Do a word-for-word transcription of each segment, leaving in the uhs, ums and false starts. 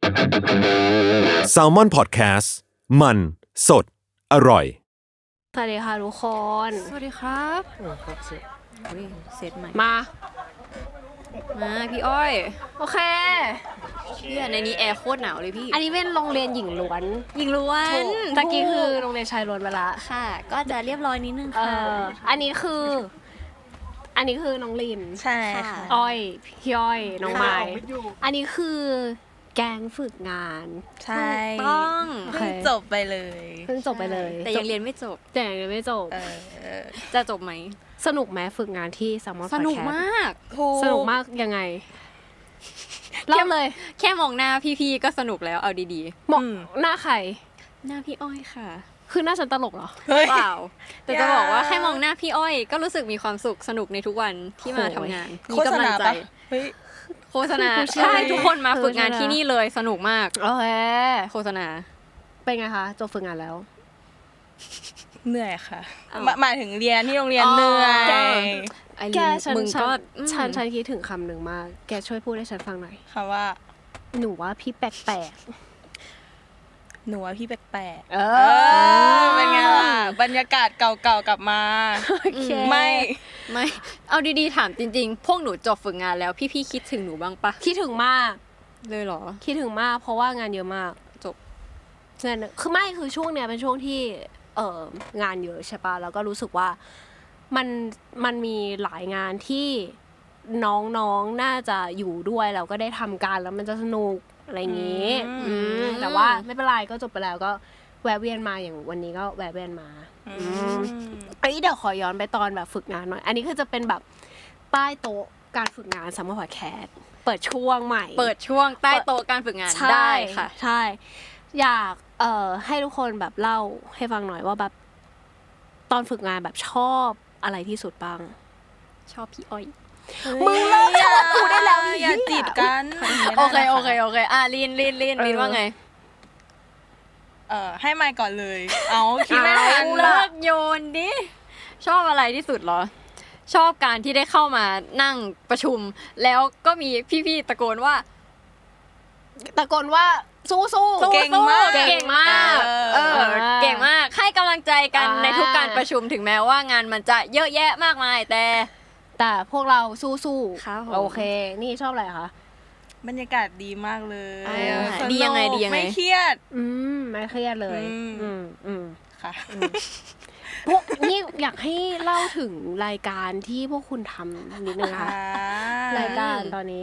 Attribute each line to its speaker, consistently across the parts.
Speaker 1: Salmon Podcast มันสดอร่อย
Speaker 2: สวัสดีค่ะทุกคน
Speaker 3: สวัสดีครับโอ้ครบเซตอุ้ยเซตใหม่
Speaker 2: มา
Speaker 3: มาพี่อ้อย
Speaker 2: โอเค
Speaker 3: พี่ในนี้แอร์โคตรหนาวเลยพี่
Speaker 2: อันนี้เป็นโรงเรียนหญิงล้วน
Speaker 3: หญิงล้วน
Speaker 2: ตะกี้คือโรงเรียนชายล้วนไปละ
Speaker 3: ค่ะก็จะเรียบร้อยนิดนึงค่ะ
Speaker 2: อันนี้คืออันนี้คือน้องลิน
Speaker 3: ใช่ค่ะ
Speaker 2: อ้อยพี่อ้อยน้องไม้อันนี้คือแก๊งฝึกงาน
Speaker 3: ใช่ต้อง
Speaker 2: เพิ่ง
Speaker 3: จบไปเลย
Speaker 2: เพิ่งจบไปเลย
Speaker 3: แต่ยังเรียนไม่จบ
Speaker 2: แต่ยังเรียนไม่จบ
Speaker 3: จะจบไหม
Speaker 2: สนุกไหมฝึกงานที่ Salmon Podcast
Speaker 3: สนุกมาก
Speaker 2: สนุกมากยังไงเล่าเลย
Speaker 3: แค่มองหน้าพี่ๆก็สนุกแล้วเอาดี
Speaker 2: ๆมองหน้าใคร
Speaker 3: หน้าพี่อ้อยค่ะ
Speaker 2: คือหน้าฉันตลกเหรอ
Speaker 3: เปล่าแต่จะบอกว่าแค่มองหน้าพี่อ้อยก็รู้สึกมีความสุขสนุกในทุกวันที่มาทำงานมีกำลังใจโฆษณาใช่ทุกคนมาฝึกงานที่นี่เลยสนุกมาก
Speaker 2: โอเค
Speaker 3: โฆษณา
Speaker 2: เป็นไงคะจบฝึกงานแล้ว
Speaker 4: เหนื่อยค่ะหมายถึงเรียนที่โรงเรียนเหนื่อย
Speaker 2: แกฉันก็ฉันฉันคิดถึงคำหนึ่งมากแกช่วยพูดให้ฉันฟังหน่อย
Speaker 4: ค่ะว่า
Speaker 2: หนูว่าพี่แปลก
Speaker 4: หนูว่าพี่แปลก
Speaker 2: ๆเอ
Speaker 4: อเป็นไงล่ะบรรยากาศเก่าๆกลับมาไม่
Speaker 3: ไม่เอาดีๆถามจริงๆพวกหนูจบฝึกงานแล้วพี่ๆคิดถึงหนูบ้างปะ
Speaker 2: คิดถึงมาก
Speaker 3: เลยเหรอ
Speaker 2: คิดถึงมากเพราะว่างานเยอะมาก
Speaker 3: จบ
Speaker 2: งานคือไม่คือช่วงเนี้ยเป็นช่วงที่เอ่องานเยอะใช่ปะแล้วก็รู้สึกว่ามันมันมีหลายงานที่น้องๆน่าจะอยู่ด้วยแล้วก็ได้ทำการแล้วมันจะสนุกอะไรอย่างงี้แต่ว่าไม่เป็นไรก็จบไปแล้วก็แวะเวียนมาอย่างวันนี้ก็แวะเวียนมาเอ้ยเดี๋ยวขอย้อนไปตอนแบบฝึกงานหน่อยอันนี้คือจะเป็นแบบใต้โต๊ะการฝึกงานSalmon Podcastเปิดช่วงใหม่
Speaker 3: เปิดช่วงใต้โต๊ะการฝึกงานได้ค่ะ
Speaker 2: ใช่อยากเอ่อให้ทุกคนแบบเล่าให้ฟังหน่อยว่าแบบตอนฝึกงานแบบชอบอะไรที่สุดบ้าง
Speaker 3: ชอบพี่อ้อย
Speaker 2: มึงเลิกชอบกูได้แล้ว
Speaker 4: อย่าจีบกัน
Speaker 3: โอเคโอเคโอเคอ่ะลีนลีนลีนลีนว่าไง
Speaker 4: เอ่อให้ไมค์ก่อนเลยเอาคิดไม่ทัน
Speaker 3: เลิกโยนดิชอบอะไรที่สุดเหรอชอบการที่ได้เข้ามานั่งประชุมแล้วก็มีพี่ๆตะโกนว่า
Speaker 2: ตะโกนว่าสู้ๆ
Speaker 4: เก่งมาก
Speaker 3: เก่งมากเออเก่งมากให้กำลังใจกันในทุกการประชุมถึงแม้ว่างานมันจะเยอะแยะมากมายแต่
Speaker 2: แต่พวกเราสู้ๆโอเคนี่ชอบอะไรคะ
Speaker 4: บรรยากาศดีมากเลย
Speaker 3: ดียังไงดียังไง
Speaker 4: ไม่เครียด
Speaker 2: อืมไม่เครียดเลยอืมอืม
Speaker 4: ค่ะ
Speaker 2: พวกนี่อยากให้เล่าถึงรายการที่พวกคุณทำนิดนึงค่ะรายการตอนนี้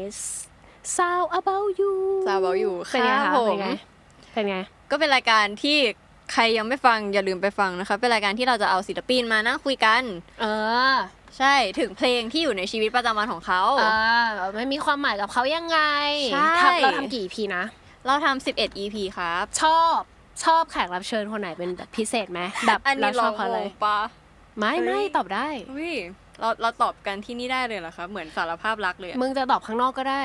Speaker 2: Sound About You
Speaker 3: Sound About You
Speaker 2: เป็นไงคะเป็นไงเป็นไง
Speaker 3: ก็เป็นรายการที่ใครยังไม่ฟังอย่าลืมไปฟังนะคะเป็นรายการที่เราจะเอาศิลปินมานั่งคุยกัน
Speaker 2: เออ
Speaker 3: ใช่ถึงเพลงที่อยู่ในชีวิตประจำวันของเขา
Speaker 2: อ่ามันมีความหมายกับเขายังไงทำเราทำกี่ อี พี นะ
Speaker 3: เราทำสิบเอ็ด อี พี ครับ
Speaker 2: ชอบชอบแขกรับเชิญคนไหนเป็นแบบพิเศษไหมแบบเราชอบเขาเลยไม่ไม่ตอบได้
Speaker 3: วิเราเราตอบกันที่นี่ได้เลยเหรอคะเหมือนสารภาพรักเลย
Speaker 2: มึงจะตอบข้างนอกก็ได้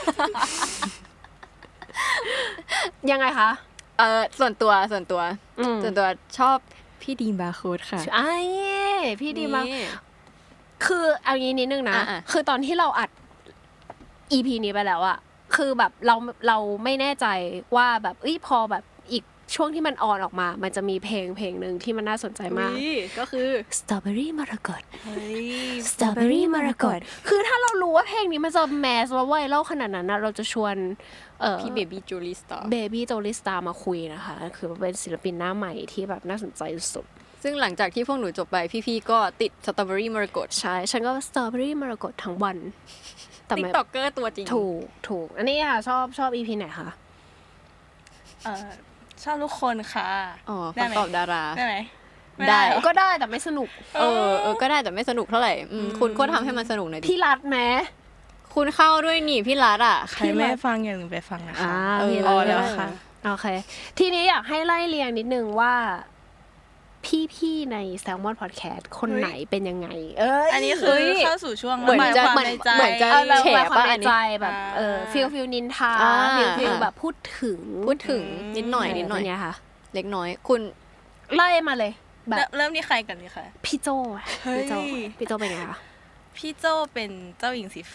Speaker 2: ยังไงคะ
Speaker 3: เออส่วนตัวส่วนตัวส่วนตัวชอบพี่ดีมบาร์โค้ดค่ะ
Speaker 2: ไอ้พี่ดีมบาร์คือเอางี้นิดนึงนะคือตอนที่เราอัด อี พี นี้ไปแล้วอะคือแบบเราเราไม่แน่ใจว่าแบบเอ้ยพอแบบอีกช่วงที่มันออนออกมามันจะมีเพลงเพลงนึงที่มันน่าสนใจมาก
Speaker 3: ก็คือ
Speaker 2: Strawberry Margot Strawberry Margot คือถ้าเรารู้ว่าเพลงนี้มันจะแมสแล้วไวรัลขนาดนั้นนะเราจะชวนเอ่อ
Speaker 3: พี่เบบี้โจลิสตาร์
Speaker 2: เบบี้โจลิสตาร์มาคุยนะคะคือเป็นศิลปินหน้าใหม่ที่แบบน่าสนใจสุด
Speaker 3: ซึ่งหลังจากที่พวกหนูจบไปพี่ๆก็ติด Strawberry Margot
Speaker 2: ใช่ฉันก็ Strawberry Margot ทั้งวัน
Speaker 3: แต่ติ๊กต็อกเกอร์ตัวจริง
Speaker 2: ถูกถูกอันนี้ค่ะชอบชอบ อี พี ไหนคะ
Speaker 4: เอ่อชอบทุกคนค่ะ
Speaker 3: อ๋อคำตอบดารา
Speaker 4: ได้ไหม
Speaker 2: ได้ก็ได้แต่ไม่สนุก
Speaker 3: เออเออก็ได้แต่ไม่สนุกเท่าไหร่คุณก็ทำให้มันสนุกหน่อยดิ
Speaker 2: พี่รัฐไหม
Speaker 3: คุณเข้าด้วยนี่พี่รัฐอ่ะ
Speaker 4: ใครไม่ฟังอย่าลืมไปฟังนะคะ
Speaker 2: เออแล้วค่ะโอเคทีนี้อยากให้ไล่เรียงนิดนึงว่าพี่ๆใน Salmon Podcast คนไหนเป็นยังไงเอ้ย
Speaker 4: อันนี้คือเข้าสู่ช่วง
Speaker 3: เหมือนจะเหมือนเหมือนจะแฉป่ะอันนี้
Speaker 2: แบบเออฟีลฟีลนินทาฟีลฟีลแบบพูดถึง
Speaker 3: พูดถึงนิดหน่อยนิดหน่อย
Speaker 2: เนี่ยค่ะ
Speaker 3: เล็กน้อยคุณ
Speaker 2: ไล่มาเลยแบบ
Speaker 4: เริ่มที่ใครกันดีคะ
Speaker 2: พี่โจพี่โจพี่โจเป็นไงคะ
Speaker 4: พี่โจเป็นเจ้าหญิงสีฟ้า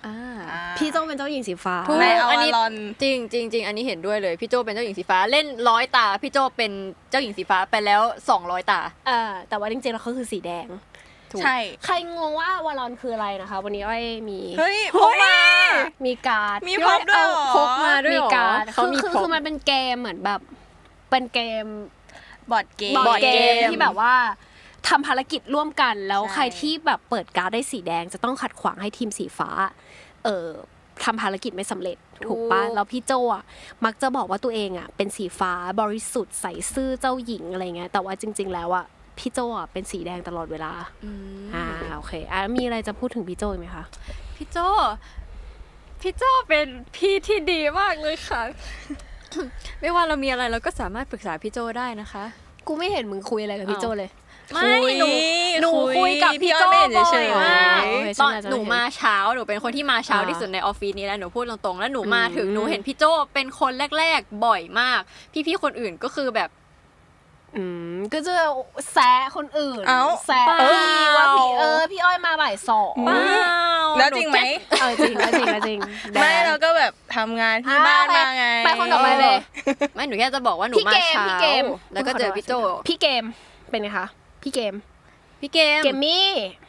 Speaker 3: อ่า
Speaker 2: พี่โจเป็นเจ้าหญิงสีฟ้า
Speaker 3: ถูก
Speaker 4: ในอว
Speaker 3: อันนี้
Speaker 4: ารอน
Speaker 3: จริงจริงจริงอันนี้เห็นด้วยเลยพี่โจเป็นเจ้าหญิงสีฟ้าเล่นร้อยตาพี่โจเป็นเจ้าหญิงสีฟ้าไปแล้วสองร้อยตา
Speaker 2: เออแต่ว่าจริงๆแล้วเขาคือสีแดง
Speaker 4: ใช่
Speaker 2: ใครงงว่าวารอนคืออะไรนะคะ วันนี้อ้อยมี
Speaker 4: เฮ้ยพกมา
Speaker 2: มีการ์ด
Speaker 4: มีพร็อพด้วยเหรอ
Speaker 3: พกมาด้วย
Speaker 2: มี
Speaker 3: เหรอ
Speaker 2: การ์ด
Speaker 3: เขา
Speaker 2: คือ
Speaker 3: มี
Speaker 2: คือ
Speaker 3: พร็อพ
Speaker 2: คือมันเป็นเกมเหมือนแบบเป็นเกม
Speaker 4: บอร์ดเกม
Speaker 2: บอร์ดเก
Speaker 3: เก
Speaker 2: ม
Speaker 3: ม
Speaker 2: ที่แบบว่าทำภารกิจร่วมกันแล้ว
Speaker 4: ใช่
Speaker 2: ใครที่แบบเปิดการ์ดได้สีแดงจะต้องขัดขวางให้ทีมสีฟ้าเออทำภารกิจไม่สำเร็จถูกปะแล้วพี่โจอ่ะมักจะบอกว่าตัวเองอ่ะเป็นสีฟ้าบริสุทธิ์ใสซื่อเจ้าหญิงอะไรเงี้ยแต่ว่าจริง ๆ แล้วอ่ะพี่โจอ่ะเป็นสีแดงตลอดเวลา
Speaker 3: อืม
Speaker 2: อ่าโอเคอ่ะมีอะไรจะพูดถึงพี่โจอีกไหมคะ
Speaker 3: พี่โจพี่โจเป็นพี่ที่ดีมากเลยค่ะ ไม่ว่าเรามีอะไรเราก็สามารถปรึกษาพี่โจได้นะคะ
Speaker 2: กูไม่เห็นมึงคุยอะไรกับพี่โจเลย
Speaker 3: ไม่
Speaker 4: คุย
Speaker 3: หนูหนู
Speaker 4: คุย
Speaker 3: คุยกับ
Speaker 4: พี่
Speaker 3: พี่
Speaker 4: อ้
Speaker 3: โจ
Speaker 4: อยไม่เห็น
Speaker 3: บ่อ
Speaker 4: เฉ
Speaker 3: ย
Speaker 4: ยๆ
Speaker 3: มาก
Speaker 2: โอเค
Speaker 3: ตอน
Speaker 2: ฉันจะ
Speaker 3: หนู
Speaker 2: เห็น
Speaker 3: มาเช้าหนูเป็นคนที่มาเช้า
Speaker 2: อ่า
Speaker 3: ที่สุดในออฟฟิศนี้แล้วหนูพูดตรงๆแล้วหนูมาถึง
Speaker 2: อืม
Speaker 3: หนูเห็นพี่โจเป็นคนแรกๆบ่อยมาก พี่ๆคนอื่นก็คือแบบ
Speaker 2: อืมก็จะแซะคนอื่น
Speaker 4: เอ้า
Speaker 2: แซะ
Speaker 3: เปล่า
Speaker 2: พี่ว่าพี่เออพี่อ้อยมาบ่ายสอง
Speaker 4: เปล่า แล้วจริงไหม
Speaker 2: เออจริงแล้วจริงแล้วจริง
Speaker 4: ไม่เราก็แบบทำงานที่บ้านมาไง
Speaker 2: ไปคนต่อไปเลย
Speaker 3: ไม่หนูแค่จะบอกว่าหนู
Speaker 2: พี่
Speaker 3: มา
Speaker 2: เกม
Speaker 3: เช้า
Speaker 2: พี่เกม
Speaker 3: แล้วก็เจอพี่โจ
Speaker 2: พี่เกมเป็นไงคะพี่เกม
Speaker 3: พี่เกม
Speaker 2: เกมมี่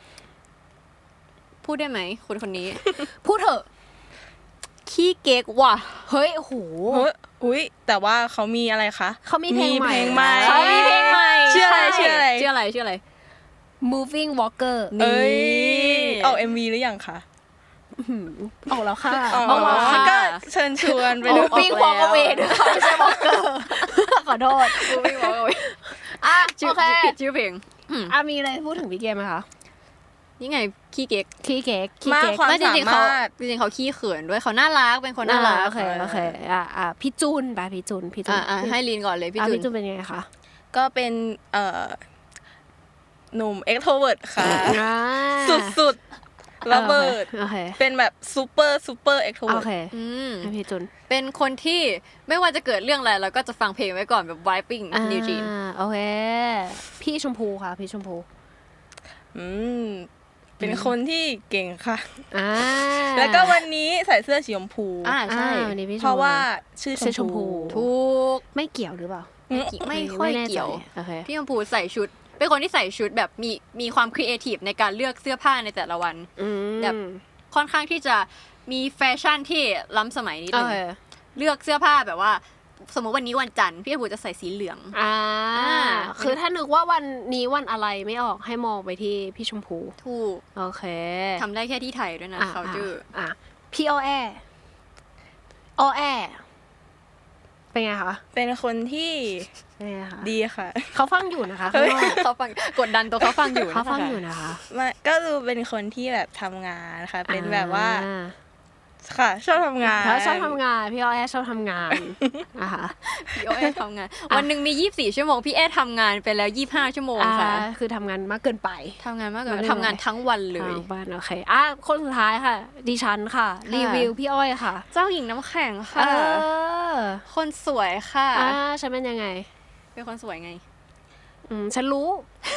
Speaker 3: พูดได้ไหมคนคนนี้
Speaker 2: พูดเถอะ
Speaker 3: ขี้เก๊กว่ะ
Speaker 2: เฮ้ยโอ้โห
Speaker 4: เฮ้ยอุ้ยแต่ว่าเขามีอะไรคะ
Speaker 2: เขามีเพลงใหม่
Speaker 4: มีเพลงใหม่
Speaker 3: เขามีเพลงใหม่
Speaker 4: ชื่ออะไร
Speaker 3: ใ
Speaker 4: ชื่ออะไร
Speaker 3: ชื่ออะไรชื่ออะไร
Speaker 2: Moving Walker
Speaker 4: เอ้ย
Speaker 3: นี่
Speaker 4: ออก เอ็ม วี หรือยังคะ
Speaker 2: ออกแล้วค่ะ
Speaker 4: อ๋อ
Speaker 3: ออกแล้วค่ะ
Speaker 4: ก็เชิญชวนไปดู
Speaker 2: Moving Walker นะคะไม่ใช่ Walker ขอโทษ
Speaker 3: Moving Walker
Speaker 2: อ่ะ
Speaker 3: ชื่อ
Speaker 2: โอเค
Speaker 3: ผิดชื่อเพลงอืม
Speaker 2: อ่ะมีอะไรพูดถึงพี่เกมไหมคะ
Speaker 3: นี่ไงขี้เก๊ก
Speaker 2: ขี้เก๊กขี้
Speaker 4: มาก
Speaker 2: เก๊ก
Speaker 4: ความ
Speaker 3: ไม่จ
Speaker 4: สา
Speaker 3: ริงๆเขา
Speaker 4: มารถ
Speaker 3: จริงๆเขาขี้เขินด้วยเขาน่ารักเป็นคนน่ารัก
Speaker 2: โอเคโอเคอ่ะอ่ะพี่จุนไปพี่จุนพี่จุน
Speaker 3: อ่ะอ่ะให้ลีนก่อนเลยพี่
Speaker 2: อ่ะ
Speaker 3: จุ
Speaker 2: พี่จุน
Speaker 3: น
Speaker 2: เป็นยังไงคะ
Speaker 4: ก็เป็นเอ่อหนุ่ม extrovert ค่ะ
Speaker 2: อ่า
Speaker 4: สุดๆระเบิด
Speaker 2: โอเค
Speaker 4: เป็นแบบซูเปอร์ซูเปอร์
Speaker 2: โอ
Speaker 4: extrovert
Speaker 2: เค
Speaker 3: อืม
Speaker 2: ให้พี่จุน
Speaker 3: เป็นคนที่ไม่ว่าจะเกิดเรื่องอะไรเราก็จะฟังเพลงไว้ก่อนแบบ vibing
Speaker 2: อ่า
Speaker 3: นิวจีน
Speaker 2: โอเค พี่ชมพูค่ะพี่ชมพู
Speaker 4: อืมเป็นคนที่เก่งค่ะ
Speaker 2: อ่า
Speaker 4: แล้วก็วันนี้ใส่เสื้อสีชมพู
Speaker 3: อ่าใช่
Speaker 2: อ่าวันนี้พี่ชม
Speaker 4: เพราะว่าชื่อ
Speaker 2: ชื่อช
Speaker 4: ช
Speaker 2: ม
Speaker 4: ม
Speaker 2: พู
Speaker 4: พู
Speaker 3: ทุก
Speaker 2: ไม่เกี่ยวหรือเปล่า
Speaker 3: ไม่เกี่ยวไม่ค่อย
Speaker 2: แน่ใจ
Speaker 3: เกี่ยว
Speaker 2: โอเค
Speaker 3: พี่ชมพูใส่ชุด เป็นคนที่ใส่ชุดแบบมีมีความครีเอทีฟในการเลือกเสื้อผ้าในแต่ละวัน
Speaker 2: อืม
Speaker 3: แบบ ค่อนข้างที่จะมีแฟชั่นที่ล้ำสมัยนิด
Speaker 2: โอ
Speaker 3: นึง
Speaker 2: เค
Speaker 3: เลือกเสื้อผ้าแบบว่า สมมติวันนี้วันจันทร์พี่ชมพูจะใส่สีเหลือง
Speaker 2: อ่า
Speaker 3: อ่า
Speaker 2: คือถ้านึกว่าวันนี้วันอะไรไม่ออกให้มองไปที่พี่ชมพู
Speaker 3: ถูก
Speaker 2: โอเค
Speaker 3: ทำได้แค่ที่ไทยด้วยนะ
Speaker 2: อ่ะ
Speaker 3: เขาจื้อ
Speaker 2: อ่ะพี่ออแอออแอเป็นไงคะ
Speaker 4: เป็นคนที่
Speaker 2: เป็นไงคะ
Speaker 4: ดีค่ะ
Speaker 2: เขาฟังอยู่นะคะ
Speaker 4: เฮ้
Speaker 2: ข้าง
Speaker 4: ย
Speaker 2: นอก
Speaker 3: เขาฟังกดดันตัวเขาฟังอยู่
Speaker 2: เขาฟัง
Speaker 3: นะคะ
Speaker 2: อยู่นะคะ
Speaker 4: มาก็ดูเป็นคนที่แบบทำงานค่ะ เป็นแบบว่า
Speaker 2: อ่
Speaker 4: ค่ะ ชอบทำงาน
Speaker 2: เขาชอบทำงานพี่ออแอชอบทำงานนะคะ
Speaker 3: พี่โอเอทำงาน วันหนึ่งมียี่สิบสี่ชั่วโมงพี่เอทำงานไปแล้วยี่สิบห้าชั่วโมง
Speaker 2: อ่า
Speaker 3: ค่ะ
Speaker 2: คือทำงานมากเกินไป
Speaker 3: ทำงานมากก
Speaker 2: มัน
Speaker 3: ว่า
Speaker 2: ไม่
Speaker 3: ทำงานทั้งวันเลย
Speaker 2: ทางบ้านโอเคอ่ะคนสุดท้ายค่ะ ดิฉันค่ะ รีวิวพี่อ้อยค่ะ
Speaker 3: เจ้าหญิงน้ำแข็ง
Speaker 2: เอ
Speaker 3: ค่ะ
Speaker 2: อ
Speaker 3: คนสวยค่ะ
Speaker 2: อ่าฉันเป็นยังไง
Speaker 3: เป็นคนสวยไง
Speaker 2: อืมฉันรู้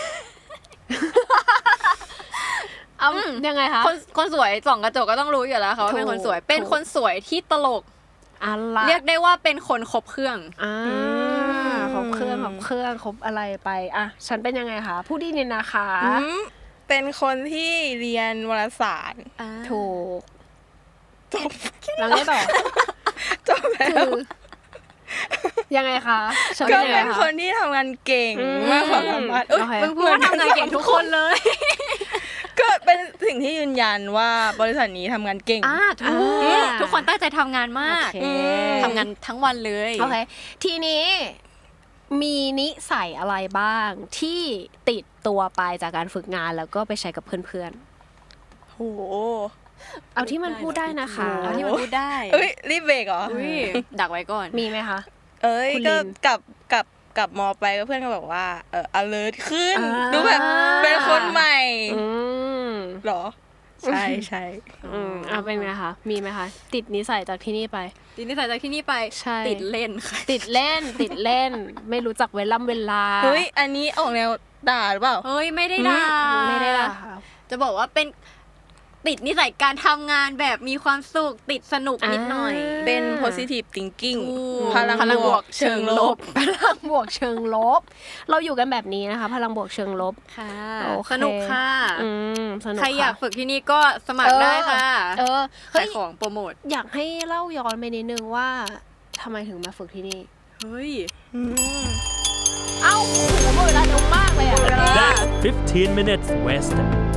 Speaker 2: เอา
Speaker 3: อืม
Speaker 2: ยังไงคะ
Speaker 3: คนคนสวยส่องกระจกก็ต้องรู้อยู่แล้วค่ะว่าเป็นคนสวย
Speaker 2: ถูก
Speaker 3: เป็นคนสวยที่ตลก
Speaker 2: อะไร
Speaker 3: เรียกได้ว่าเป็นคนครบเครื่อง
Speaker 2: อ่าครบเครื่องครบเครื่องครบอะไรไปอ่ะฉันเป็นยังไงคะผู้ดีเนี่ยนะคะ
Speaker 4: อืมเป็นคนที่เรียนวารสาร
Speaker 2: ถูกจบแล้วไงต่อ
Speaker 4: จบแล้
Speaker 2: คื
Speaker 4: ว
Speaker 2: อยังไงคะฉัน
Speaker 4: ก็
Speaker 2: เป็นยังไง
Speaker 4: เป็น
Speaker 2: คะ
Speaker 4: คนที่ทำงานเก่ง
Speaker 2: อืม
Speaker 4: มากความสามารถเอ้ย
Speaker 2: โอเค
Speaker 3: มึงพูดว่าทำงานเก่งทุกคนเลย
Speaker 4: ก็เป็นสิ่งที่ยืนยันว่าบริษัทนี้ทำงานเก่ง
Speaker 3: อ่าถูก
Speaker 2: อ่า
Speaker 3: ทุกคนตั้งใจทำงานมาก
Speaker 2: โอเค
Speaker 3: ทำงานทั้งวันเลย
Speaker 2: โอเค ทีนี้มีนิสัยอะไรบ้างที่ติดตัวไปจากการฝึกงานแล้วก็ไปใช้กับเพื่อน
Speaker 4: โห
Speaker 2: ๆ เอาที่มันพูดได้นะคะ
Speaker 3: เอาที่มันพูดได้
Speaker 4: เอ้ยรีบเบรกเหรอ
Speaker 3: อุ้ยดักไว้ก่อน
Speaker 2: มีไหมคะ
Speaker 4: เอ้ย
Speaker 2: คุณ
Speaker 4: ก็
Speaker 2: ลิน
Speaker 4: กลับกลับกลับมอไปก็เพื่อนก็บอกว่าเออ alert ขึ้น
Speaker 2: อ่า
Speaker 4: ดูแบบเป็นคนใหม่
Speaker 2: อืม
Speaker 4: เหรอ ใช่ใช่
Speaker 2: อืมเอาเป็นไงคะ มีไหมคะ ติดนิสัยจากที่นี่ไป
Speaker 3: ติดนิสัยจากที่นี่ไป
Speaker 2: ใช่
Speaker 3: ติดเล่นค่ะ
Speaker 2: ติดเล่น ติดเล่น ไม่รู้จักเวลาเวลา
Speaker 4: เฮ้ย อันนี้ออกแนวด่าหรือเปล่า
Speaker 3: เฮ้ยไม่ได้ด่า
Speaker 2: ไม่ได้ละค่ะ
Speaker 3: จะบอกว่าเป็นติดนิสัยการทำงานแบบมีความสุขติดสนุกนิดหน่อย
Speaker 4: เป็น positive thinking พ
Speaker 3: พลั
Speaker 4: ลั
Speaker 3: ง
Speaker 4: ง
Speaker 3: บบ ว
Speaker 4: ว
Speaker 3: ก
Speaker 4: ก
Speaker 3: เชิ
Speaker 4: เชิ
Speaker 3: ง
Speaker 4: ง
Speaker 3: ล
Speaker 4: ล
Speaker 3: บ
Speaker 4: บ
Speaker 2: พลังบวกเชิงลบ เราอยู่กันแบบนี้นะคะ พลังบวกเชิงลบ
Speaker 3: ค่ะ
Speaker 2: โอเค
Speaker 3: สนุกค่ะ
Speaker 2: อืมสนุก
Speaker 3: ใครอยาก
Speaker 2: ค่ะ
Speaker 3: ฝึกที่นี่ก็สมัครได้ค่ะ
Speaker 2: เออ
Speaker 3: ขา
Speaker 2: เฮ้
Speaker 3: ย
Speaker 2: ย
Speaker 3: ของโปรโมท
Speaker 2: อยากให้เล่าย้อนไปนิดนึงว่าทำไมถึงมาฝึกที่นี่
Speaker 3: เฮ้ย
Speaker 2: เอ้าโหหมดเวลาเร็วมากเลยอ่ะ
Speaker 1: That's fifteen minutes west